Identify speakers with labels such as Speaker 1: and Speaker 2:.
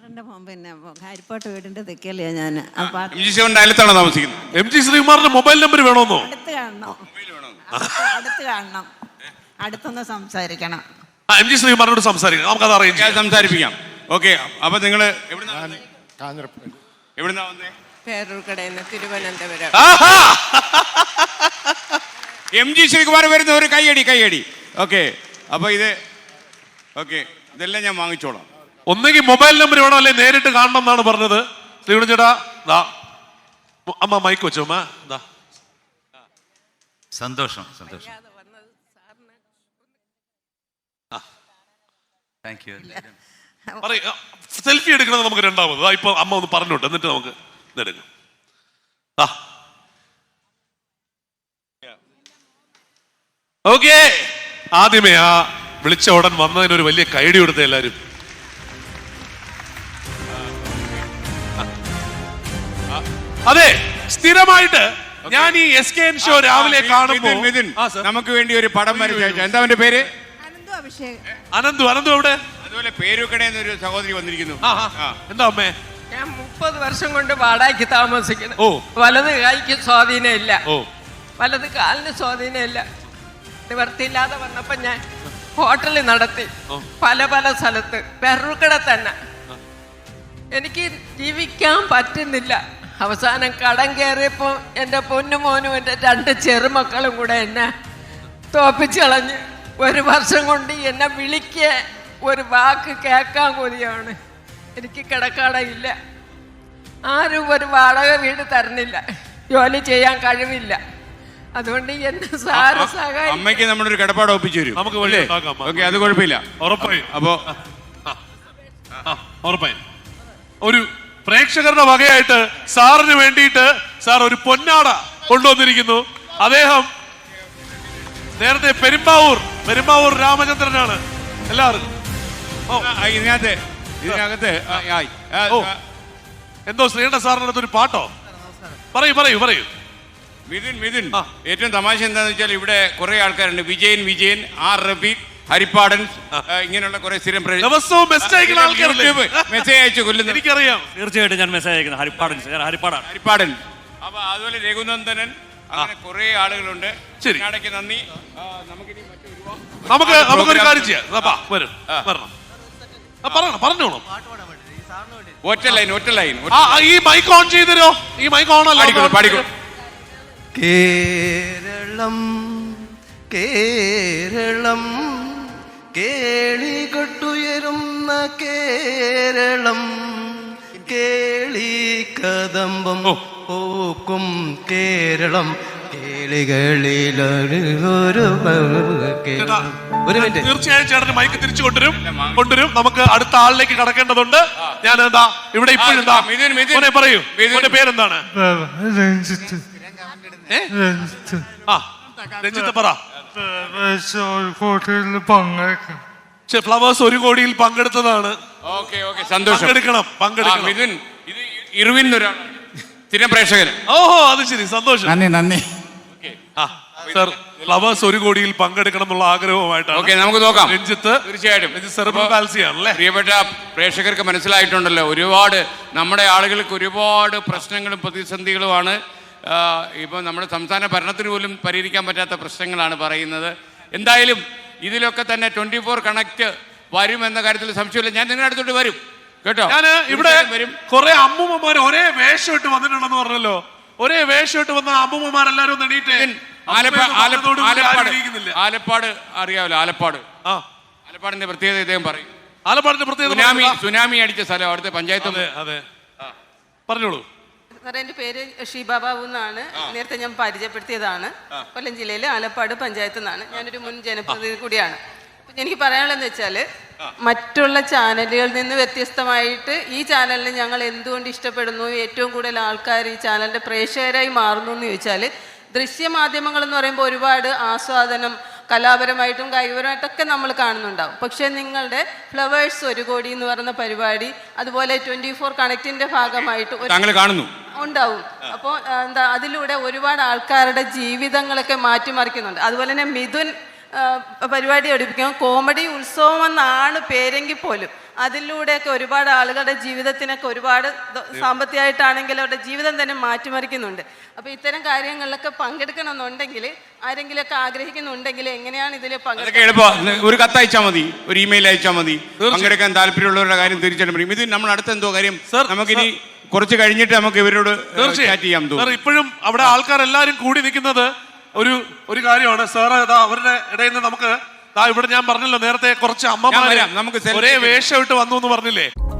Speaker 1: പിന്നെ ഹരിപ്പാട്ട് വീടിന്റെ തെക്കല്ലേ ഞാൻ. അപ്പൊ
Speaker 2: അയലത്താണോ താമസിക്കുന്നത്?
Speaker 3: എം ജി ശ്രീകുമാറിന്റെ മൊബൈൽ നമ്പർ വേണമെന്നോ?
Speaker 1: അടുത്ത് കാണണം, അടുത്ത് കാണണം, അടുത്തൊന്ന് സംസാരിക്കണം.
Speaker 3: എം ജി ശ്രീകുമാറിനോട് സംസാരിക്കണം, നമുക്കത് അറിയാം,
Speaker 2: സംസാരിപ്പിക്കാം. ഓക്കെ, അപ്പൊ നിങ്ങള് എവിടുന്നാ വന്നേ?
Speaker 4: പേരൂർക്കടയിൽ നിന്ന് തിരുവനന്തപുരം.
Speaker 2: എം ജി ശ്രീകുമാർ വരുന്ന ഒരു കൈയടി. ഓക്കെ, അപ്പൊ ഇത് ഓക്കെ, ഇതെല്ലാം ഞാൻ വാങ്ങിച്ചോളാം.
Speaker 3: ഒന്നെങ്കിൽ മൊബൈൽ നമ്പർ വേണോ, അല്ലെ നേരിട്ട് കാണണം എന്നാണ് പറഞ്ഞത്. ശ്രീകുണൻ ചേട്ടാ, ദാ അമ്മ മൈക്ക് വെച്ചോ. അമ്മ ദാ.
Speaker 5: സന്തോഷം. Thank you.
Speaker 3: സെൽഫി എടുക്കണത് നമുക്ക് രണ്ടാമത്. ഇപ്പൊ അമ്മ ഒന്ന് പറഞ്ഞോട്ടെ, എന്നിട്ട് നമുക്ക് ഇതെടുക്കാം. ഓക്കെ, ആദ്യമേ ആ വിളിച്ച ഉടൻ വന്നതിനൊരു വലിയ കൈഡി കൊടുത്ത എല്ലാരും. അതെ, സ്ഥിരമായിട്ട് ഞാൻ ഈ SKN ഷോ രാവിലെ കാണുമ്പോൾ
Speaker 2: നമുക്ക് വേണ്ടി ഒരു പടം വരച്ചു. എന്താ അവന്റെ പേര്?
Speaker 3: അനന്തു. എവിടെ?
Speaker 2: അതുപോലെ പേരൂക്കടയിൽ ഒരു സഹോദരി വന്നിരിക്കുന്നു.
Speaker 3: എന്താ അമ്മേ?
Speaker 4: ഞാൻ 30 വർഷം കൊണ്ട് വാടകയ്ക്ക് താമസിക്കുന്നു. വലത് കൈക്ക് സ്വാധീനമില്ല, വലത് കാലിന് സ്വാധീനമില്ല. നിവർത്തിയില്ലാതെ വന്നപ്പോ ഞാൻ ഹോട്ടലിൽ നടത്തി, പല സ്ഥലത്ത്, പെരൂർക്കട തന്നെ. എനിക്ക് ജീവിക്കാൻ പറ്റുന്നില്ല. അവസാനം കടം കയറിയപ്പോ എൻ്റെ പൊന്നുമോനും എൻ്റെ 2 ചെറുമക്കളും കൂടെ എന്നെ തോപ്പിച്ച് കളഞ്ഞ്. 1 വർഷം കൊണ്ട് എന്നെ വിളിക്കുക, ഒരു വാക്ക് കേൾക്കാൻ കൊതിയാണ്. എനിക്ക് കിടക്കാടയില്ല, ആരും ഒരു വാടക വീട് തരുന്നില്ല, ജോലി ചെയ്യാൻ കഴിവില്ല. അതുകൊണ്ട് എന്നെ സാറ് സഹായിക്കും.
Speaker 2: അമ്മയ്ക്ക് നമ്മളൊരു കിടപ്പാട് ഒപ്പിച്ചു തരും.
Speaker 3: നമുക്ക്
Speaker 2: ഓക്കെ, അത് കുഴപ്പമില്ല.
Speaker 3: ഉറപ്പായും.
Speaker 2: അപ്പോ
Speaker 3: ഉറപ്പായും ഒരു പ്രേക്ഷകരുടെ വകയായിട്ട് സാറിന് വേണ്ടിയിട്ട് സാർ ഒരു പൊന്നാട കൊണ്ടുവന്നിരിക്കുന്നു. അദ്ദേഹം നേരത്തെ പെരുമ്പാവൂർ രാമചന്ദ്രനാണ്. എല്ലാവർക്കും
Speaker 2: ഇതിനകത്ത്
Speaker 3: എന്തോ ശ്രീകണ്ഠ സാറിനടുത്ത് ഒരു പാട്ടോ? പറയൂ.
Speaker 2: മിഥുൻ, ഏറ്റവും തമാശ എന്താന്ന് വെച്ചാൽ ഇവിടെ കുറെ ആൾക്കാരുണ്ട്. വിജയൻ, ആർ റബീഖ്, ഹരിപ്പാടൻ, ഇങ്ങനെയുള്ള കുറെ സ്ഥിരം
Speaker 3: ദിവസവും മെസ്സേജ്
Speaker 2: അയച്ചു കൊല്ലുന്നു.
Speaker 3: എനിക്കറിയാം,
Speaker 5: തീർച്ചയായിട്ടും ഞാൻ മെസ്സേജ് അയക്കുന്നത് ഹരിപ്പാടൻ.
Speaker 2: അപ്പൊ അതുപോലെ രഘുനന്ദനൻ, അങ്ങനെ കുറെ ആളുകളുണ്ട്.
Speaker 3: ശരി,
Speaker 2: നന്ദി.
Speaker 3: നമുക്കൊരു കാര്യം ചെയ്യാം. പറഞ്ഞോളൂ.
Speaker 2: ഒറ്റ ലൈൻ.
Speaker 3: ഈ മൈക്ക് ഓൺ ചെയ്തരോ? ഈ മൈക്ക് ഓൺ അല്ല,
Speaker 2: പാടിക്കോ.
Speaker 6: കേരളം കേളികൊട്ടുയരുന്ന കേരളം, കേളി കദംബം പൂക്കും കേരളം, കേളികളിലൊരു മിനിറ്റ്.
Speaker 3: തീർച്ചയായും ചേട്ടന് മൈക്ക് തിരിച്ചു കൊണ്ടുവരും. നമുക്ക് അടുത്ത ആളിലേക്ക് കടക്കേണ്ടതുണ്ട്. ഞാൻ എന്താ ഇവിടെ ഇപ്പോഴെന്താ പറയൂ, പേരെന്താണ്? രഞ്ജിത്ത് പറ. ഫ്ലവേഴ്സ് 1 കോടിയിൽ പങ്കെടുത്തതാണ്.
Speaker 2: സന്തോഷം.
Speaker 3: പങ്കെടുക്കണം.
Speaker 2: ഇത് ഇർവിൻ സ്ഥിരം പ്രേക്ഷകൻ.
Speaker 3: ഓഹോ, അത് ശരി, സന്തോഷം.
Speaker 6: നന്ദി.
Speaker 3: സർ, ഫ്ലവേഴ്സ് 1 കോടിയിൽ പങ്കെടുക്കണം എന്നുള്ള ആഗ്രഹവുമായിട്ടാണ്.
Speaker 2: നമുക്ക് നോക്കാം.
Speaker 3: രഞ്ജിത്ത്,
Speaker 2: തീർച്ചയായിട്ടും
Speaker 3: സെറിബ്രൽ പാൽസി ആണല്ലേ?
Speaker 2: പ്രിയപ്പെട്ട പ്രേക്ഷകർക്ക് മനസ്സിലായിട്ടുണ്ടല്ലോ, ഒരുപാട് നമ്മുടെ ആളുകൾക്ക് ഒരുപാട് പ്രശ്നങ്ങളും പ്രതിസന്ധികളുമാണ്. ഇപ്പം നമ്മുടെ സംസ്ഥാന ഭരണത്തിന് പോലും പരിഹരിക്കാൻ പറ്റാത്ത പ്രശ്നങ്ങളാണ് പറയുന്നത്. എന്തായാലും ഇതിലൊക്കെ തന്നെ 24 കണക്ട് വരുമെന്ന കാര്യത്തിൽ സംശയമില്ല. ഞാൻ നിങ്ങളുടെ അടുത്തോട്ട് വരും കേട്ടോ.
Speaker 3: ഞാൻ ഇവിടെ കുറെ അമ്മൂമ്മമാർ ഒരേ വേഷം ഇട്ട് വന്നിട്ടുണ്ടെന്ന് പറഞ്ഞല്ലോ. ഒരേ വേഷം ഇട്ട് വന്ന അമ്മൂമ്മമാരെല്ലാരും നേടിയിട്ട്
Speaker 2: ആലപ്പാട് അറിയാമല്ലോ. ആലപ്പാടിന്റെ പ്രത്യേകത ഇദ്ദേഹം പറയും.
Speaker 3: ആലപ്പാടിന്റെ പ്രത്യേകത
Speaker 2: സുനാമി അടിച്ച സ്ഥലം, അവിടുത്തെ പഞ്ചായത്ത്.
Speaker 3: അതെ, പറഞ്ഞോളൂ.
Speaker 7: സാറേ, എൻ്റെ പേര് ഷീബ ബാബു എന്നാണ്. നേരത്തെ ഞാൻ പരിചയപ്പെടുത്തിയതാണ്. കൊല്ലം ജില്ലയിലെ ആലപ്പാട് പഞ്ചായത്ത് നിന്നാണ്. ഞാനൊരു മുൻ ജനപ്രതിനിധി കൂടിയാണ്. എനിക്ക് പറയാനുള്ളതെന്ന് വെച്ചാൽ, മറ്റുള്ള ചാനലുകളിൽ നിന്ന് വ്യത്യസ്തമായിട്ട് ഈ ചാനലിനെ ഞങ്ങൾ എന്തുകൊണ്ട് ഇഷ്ടപ്പെടുന്നു, ഏറ്റവും കൂടുതൽ ആൾക്കാർ ഈ ചാനലിൻ്റെ പ്രേക്ഷകരായി മാറുന്നു എന്ന് ചോദിച്ചാൽ, ദൃശ്യമാധ്യമങ്ങൾ എന്ന് പറയുമ്പോൾ ഒരുപാട് ആസ്വാദനം, കലാപരമായിട്ടും കായികപരമായിട്ടൊക്കെ നമ്മൾ കാണുന്നുണ്ടാവും. പക്ഷേ നിങ്ങളുടെ ഫ്ലവേഴ്സ് 1 കോടി എന്ന് പറയുന്ന പരിപാടി, അതുപോലെ 24 കണക്റ്റിൻ്റെ ഭാഗമായിട്ട് ഉണ്ടാവും. അപ്പോൾ അതിലൂടെ ഒരുപാട് ആൾക്കാരുടെ ജീവിതങ്ങളൊക്കെ മാറ്റിമറിക്കുന്നുണ്ട്. അതുപോലെ തന്നെ മിഥുൻ പരിപാടി പഠിപ്പിക്കും. കോമഡി ഉത്സവം എന്നാണ് പേരെങ്കിൽ പോലും അതിലൂടെയൊക്കെ ഒരുപാട് ആളുകളുടെ ജീവിതത്തിനൊക്കെ ഒരുപാട് സാമ്പത്തികമായിട്ടാണെങ്കിലും അവരുടെ ജീവിതം തന്നെ മാറ്റിമറിക്കുന്നുണ്ട്. അപ്പോൾ ഇത്തരം കാര്യങ്ങളിലൊക്കെ പങ്കെടുക്കണമെന്നുണ്ടെങ്കിൽ ആരെങ്കിലുമൊക്കെ ആഗ്രഹിക്കുന്നുണ്ടെങ്കിൽ എങ്ങനെയാണ് ഇതിൽ
Speaker 2: ഒരു കത്ത് അയച്ചാൽ മതി, ഒരു ഇമെയിൽ അയച്ചാൽ മതി. പങ്കെടുക്കാൻ താല്പര്യമുള്ളവരുടെ കാര്യം തീർച്ചയായിട്ടും പറയും. ഇത് നമ്മൾ അടുത്ത എന്തോ കാര്യം നമുക്കിനി കുറച്ച് കഴിഞ്ഞിട്ട് നമുക്ക് ഇവരോട് ചാറ്റ് ചെയ്യാം.
Speaker 3: ഇപ്പോഴും അവിടെ ആൾക്കാരെല്ലാരും കൂടി നിൽക്കുന്നത് ഒരു കാര്യമാണ് സാർ. അവരുടെ ഇടയിൽ നിന്ന് നമുക്ക് ഇവിടെ ഞാൻ പറഞ്ഞല്ലോ നേരത്തെ കുറച്ച് അമ്മമാര് ഒരേ വേഷം ഇട്ട് വന്നു എന്ന് പറഞ്ഞില്ലേ.